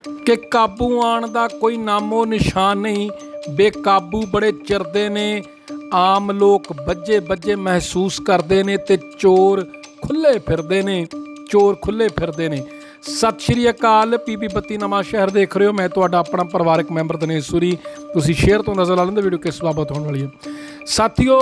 कि काबू आने का कोई नामो निशान नहीं। बेकाबू बड़े चिरदे ने, आम लोग बज्जे बज्जे महसूस करते हैं ते चोर खुले फिरदे ने, चोर खुले फिरदे ने। सत श्री अकाल, पीपी 32 नवां शहर देख रहे हो। मैं तुहाडा अपना परिवारक मैंबर दिनेश सूरी। तुसीं शेयर तो नज़र ला लेंदे वीडियो किस बाबत होने वाली है। साथियों,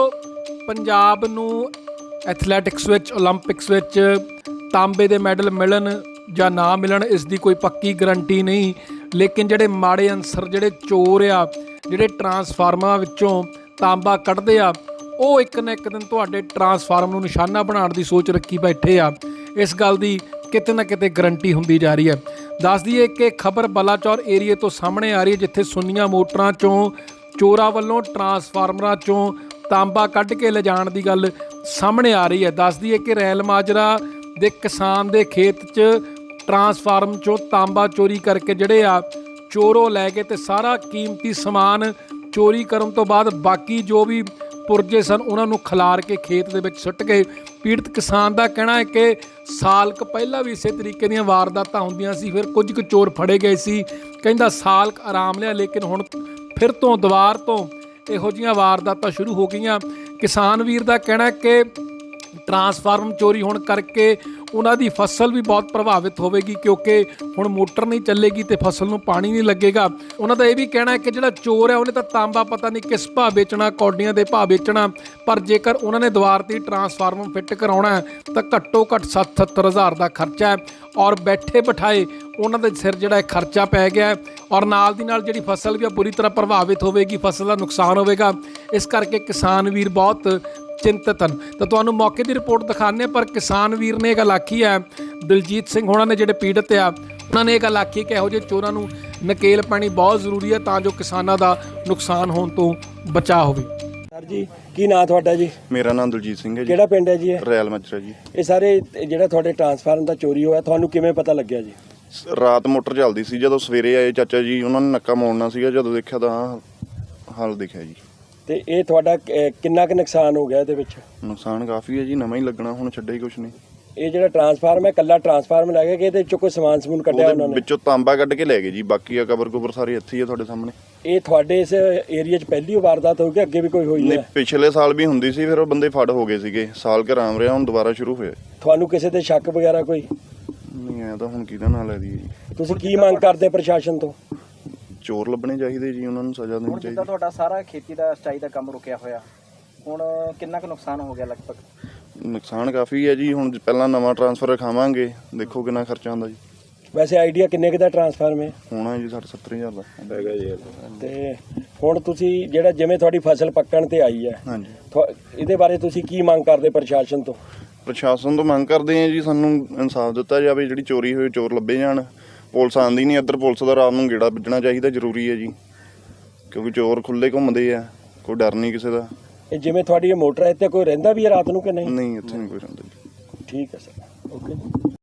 पंजाब नूं एथलैटिक्स विच, ओलंपिक्स विच तांबे दे मैडल मिलन ਜਾਂ ना मिलन इस दी कोई पक्की गारंटी नहीं, लेकिन ਜਿਹੜੇ माड़े अंसर, ਜਿਹੜੇ चोर आ, ਜਿਹੜੇ ट्रांसफार्मर ਵਿੱਚੋਂ तांबा ਕੱਢਦੇ ਆ, ਉਹ ਇੱਕ ਨਾ ਇੱਕ ਦਿਨ ਤੁਹਾਡੇ ट्रांसफार्मर ਨੂੰ ਨਿਸ਼ਾਨਾ ਬਣਾਉਣ ਦੀ ਸੋਚ ਰੱਖੀ ਬੈਠੇ ਆ। ਇਸ ਗੱਲ ਦੀ ਕਿਤੇ ਨਾ ਕਿਤੇ ਗਰੰਟੀ ਹੁੰਦੀ ਜਾ ਰਹੀ ਹੈ। ਦੱਸ ਦਈਏ ਕਿ ਖਬਰ ਬਲਾਚੌਰ ਏਰੀਏ ਤੋਂ ਸਾਹਮਣੇ ਆ ਰਹੀ ਹੈ, ਜਿੱਥੇ ਸੁੰਨੀਆਂ ਮੋਟਰਾਂ ਚੋਂ ਚੋਰਾਂ ਵੱਲੋਂ ਟਰਾਂਸਫਾਰਮਰਾਂ ਚੋਂ ਤਾਂਬਾ ਕੱਢ ਕੇ ਲਿਜਾਣ ਦੀ ਗੱਲ ਸਾਹਮਣੇ ਆ ਰਹੀ ਹੈ। ਦੱਸ ਦਈਏ ਕਿ ਰੈਲ ਮਾਜਰਾ ਦੇ ਕਿਸਾਨ ਦੇ ਖੇਤ 'ਚ ट्रांसफार्म चो तांबा चोरी करके जड़े आ चोरों लै गए ते सारा कीमती समान चोरी करन तो बाद बाकी जो भी पुरजे सन उन्होंने खिलार के खेत दे विच सुੱਟ गए। पीड़ित किसान का कहना है कि साल क पहला भी इसे तरीके ਦੀਆਂ वारदातां ਹੁੰਦੀਆਂ ਸੀ, फिर कुछ कुछ चोर फड़े गए सी। कहंदा साल क आराम लिया, लेकिन हुण फिर तो दुबार तो ਇਹੋ ਜਿਹੀਆਂ वारदातां शुरू हो गईਆਂ। किसान वीर का कहना है कि ट्रांसफार्म चोरी होने करके उन्हां दी फसल भी बहुत प्रभावित होगी, क्योंकि हुण मोटर नहीं चलेगी तो फसल में पानी नहीं लगेगा। उन्हां दा यह भी कहना है कि जिहड़ा चोर है उन्हें तो तांबा पता नहीं किस भाव बेचना, कौडियां दे भाव बेचना, पर जेकर उन्होंने दुबार ते ट्रांसफार्मर फिट कराउणा है तो घट्टो घट्ट 70-70 हज़ार का खर्चा है, और बैठे बिठाए उन्हां दे सिर जिहड़ा खर्चा पै गया है, और नाल दी नाल जिहड़ी फसल भी बुरी तरह प्रभावित होगी, फसल का नुकसान होगा। इस करके किसान वीर बहुत चिंतित हैं। तो तुहानूं मौके की रिपोर्ट दिखाने, पर किसान वीर ने गल आखी है, दिलजीत सिंह होना ने जिहड़े पीड़ित आ, उन्होंने ये गल आखी कि इहो जिहे चोरां नूं नकेल पानी बहुत जरूरी है, तां जो किसानां दा नुकसान होण तो बचा होवे। सर जी, की नाम तुहाडा जी? मेरा नाम दलजीत सिंह है जी। किहड़ा पिंड है जी? रैल मजरा जी। ये सारे जिहड़ा तुहाडे ट्रांसफार्मर दा चोरी होया, तुहानूं किवें पता लग्या जी? रात मोटर चलदी सी, जदों सवेरे आए चाचा जी उन्होंने नक्का मोड़ना सीगा, जदों देखिया तां हाल दिखिया जी। ਤੇ ਇਹ ਤੁਹਾਡਾ ਕਿੰਨਾ ਕੁ ਨੁਕਸਾਨ ਹੋ ਗਿਆ ਇਹਦੇ ਵਿੱਚ? ਨੁਕਸਾਨ ਕਾਫੀ ਹੈ ਜੀ, ਨਵਾਂ ਹੀ ਲੱਗਣਾ, ਹੁਣ ਛੱਡਿਆ ਹੀ ਕੁਛ ਨਹੀਂ। ਇਹ ਜਿਹੜਾ ਟਰਾਂਸਫਾਰਮ ਹੈ, ਕੱਲਾ ਟਰਾਂਸਫਾਰਮ ਲੈ ਗਏ ਕਿ ਇਹਦੇ ਵਿੱਚੋਂ ਕੋਈ ਸਮਾਨ ਸਮੂਨ ਕੱਢਿਆ ਉਹਨਾਂ ਨੇ? ਵਿੱਚੋਂ ਤਾਂਬਾ ਕੱਢ ਕੇ ਲੈ ਗਏ ਜੀ, ਬਾਕੀ ਆ ਕਬਰ ਕੁਬਰ ਸਾਰੇ ਇੱਥੇ ਹੀ ਆ ਤੁਹਾਡੇ ਸਾਹਮਣੇ। ਇਹ ਤੁਹਾਡੇ ਇਸ ਏਰੀਆ 'ਚ ਪਹਿਲੀ ਵਾਰਦਾਤ ਹੋਈ ਕਿ ਅੱਗੇ ਵੀ ਕੋਈ ਹੋਈ ਹੈ? ਪਿਛਲੇ ਸਾਲ ਵੀ ਹੁੰਦੀ ਸੀ, ਫਿਰ ਉਹ ਬੰਦੇ ਫੜ ਹੋ ਗਏ ਸੀਗੇ, ਸਾਲ ਕੁ ਆਰਾਮ ਰਿਹਾ, ਹੁਣ ਦੁਬਾਰਾ ਸ਼ੁਰੂ ਹੋਇਆ। ਤੁਹਾਨੂੰ ਕਿਸੇ ਤੇ ਸ਼ੱਕ ਵਗੈਰਾ ਕੋਈ ਨਹੀਂ ਆਇਆ ਤਾਂ ਹੁਣ ਕਿਹਦਾ ਨਾਂ ਲੈ ਦਈਏ ਜੀ? ਤੁਸੀਂ ਕੀ ਮੰਗ ਕਰਦੇ ਪ੍ਰਸ਼ਾਸਨ ਤੋਂ? ਚੋਰ ਲੱਭਣੇ ਚਾਹੀਦੇ ਜੀ, ਉਹਨਾਂ ਨੂੰ ਸਜ਼ਾ ਦੇਣੀ ਚਾਹੀਦੀ। ਜਿੱਦਾਂ ਤੁਹਾਡਾ ਸਾਰਾ ਖੇਤੀ ਦਾ ਸਿੰਚਾਈ ਦਾ ਕੰਮ ਰੁਕਿਆ ਹੋਇਆ, ਹੁਣ ਕਿੰਨਾ ਕੁ ਨੁਕਸਾਨ ਹੋ ਗਿਆ ਲਗਭਗ? ਨੁਕਸਾਨ ਕਾਫੀ ਹੈ ਜੀ, ਹੁਣ ਪਹਿਲਾਂ ਨਵਾਂ ਟਰਾਂਸਫਰ ਰਖਾਵਾਂਗੇ, ਦੇਖੋ ਕਿੰਨਾ ਖਰਚਾ ਆਉਂਦਾ ਜੀ। ਵੈਸੇ ਆਈਡੀਆ ਕਿੰਨੇ ਕੁ ਦਾ ਟਰਾਂਸਫਾਰਮ ਹੈ? ਹੋਣਾ ਜੀ 60-70 ਹਜ਼ਾਰ ਦਾ ਹੈਗਾ ਜੀ। ਤੇ ਹੁਣ ਤੁਸੀਂ ਜਿਹੜਾ ਜਿਵੇਂ ਤੁਹਾਡੀ ਫਸਲ ਪੱਕਣ ਤੇ ਆਈ ਹੈ, ਹਾਂਜੀ, ਇਹਦੇ ਬਾਰੇ ਤੁਸੀਂ ਕੀ ਮੰਗ ਕਰਦੇ ਪ੍ਰਸ਼ਾਸਨ ਤੋਂ? ਪ੍ਰਸ਼ਾਸਨ ਤੋਂ ਮੰਗ ਕਰਦੇ ਹਾਂ ਜੀ, ਸਾਨੂੰ ਇਨਸਾਫ ਦਿੱਤਾ ਜਾਵੇ, ਜਿਹੜੀ ਚੋਰੀ ਹੋਈ ਚੋਰ ਲੱਭੇ ਜਾਣ। ਪੁਲਿਸ ਆਉਂਦੀ ਨਹੀਂ ਇੱਧਰ, ਪੁਲਿਸ ਦਾ ਰਾਤ ਨੂੰ ਗੇੜਾ ਵੱਜਣਾ ਚਾਹੀਦਾ, ਜ਼ਰੂਰੀ ਹੈ ਜੀ, ਕਿਉਂਕਿ ਚੋਰ ਖੁੱਲੇ ਘੁੰਮਦੇ ਆ, ਕੋਈ ਡਰ ਨਹੀਂ ਕਿਸੇ ਦਾ। ਇਹ ਜਿਵੇਂ ਤੁਹਾਡੀ ਇਹ ਮੋਟਰ ਹੈ, ਇੱਥੇ ਕੋਈ ਰਹਿੰਦਾ ਵੀ ਹੈ ਰਾਤ ਨੂੰ ਕਿ ਨਹੀਂ? ਨਹੀਂ, ਇੱਥੇ ਨਹੀਂ ਕੋਈ ਰਹਿੰਦਾ ਜੀ। ਠੀਕ ਹੈ ਸਰ, ਓਕੇ।